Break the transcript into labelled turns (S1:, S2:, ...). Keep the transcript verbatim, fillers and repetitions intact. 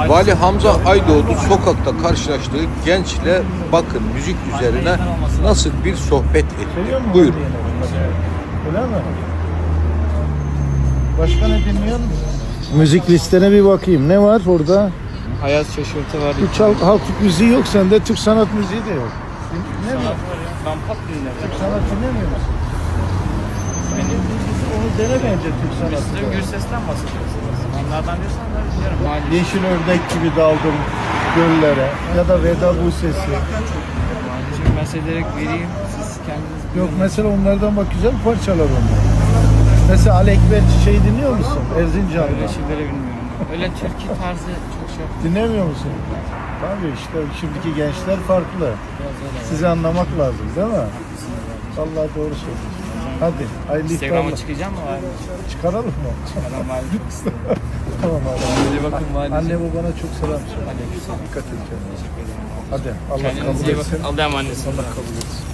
S1: Vali Hamza Aydoğdu sokakta karşılaştığı gençle bakın müzik üzerine nasıl bir sohbet etti. Buyurun.
S2: Öyle mi? Başka ne dinliyorsun? Müzik listene bir bakayım. Ne var orada?
S3: Hayat şaşırtı var.
S2: Bu çal halk müziği yok sende, Türk sanat müziği de yok. Ne mi?
S3: Ben pop dinlerim.
S2: Türk sanat dinlemiyor musun? Benim onu dene bence Türk
S3: Biz
S2: sanatı.
S3: de Gürses'ten bahsediyorsunuz. Onlardan diyorsan da biliyorum. Mali.
S2: Yeşil ördek gibi daldım göllere ya da Veda bu sesi.
S3: Şimdi ben size direkt vereyim. Siz kendiniz
S2: Yok
S3: bilin.
S2: mesela onlardan bak güzel parçalar onlar. Mesela Alekber Çiçeği dinliyor musun? Erzincan'da.
S3: Öyle şeyleri bilmiyorum. Öyle türkü tarzı çok şey yapmıyorum.
S2: Dinlemiyor musun? Tabii işte şimdiki gençler farklı. Sizi anlamak lazım değil mi? Vallahi doğru söylüyorsun. Hadi hayırlı
S3: Instagram'a
S2: iftarlar.
S3: çıkacağım mı? Var mı?
S2: Çıkaralım mı?
S3: Adam var mı?
S2: Tamam abi.
S3: Hadi bakın var.
S2: Anne babana çok selam söyle. Dikkat et kendine. Hadi Allah
S3: Kendinize
S2: kabul
S3: iyi
S2: etsin.
S3: bakın. Allah'a emanet olun.
S2: Allah kabul etsin.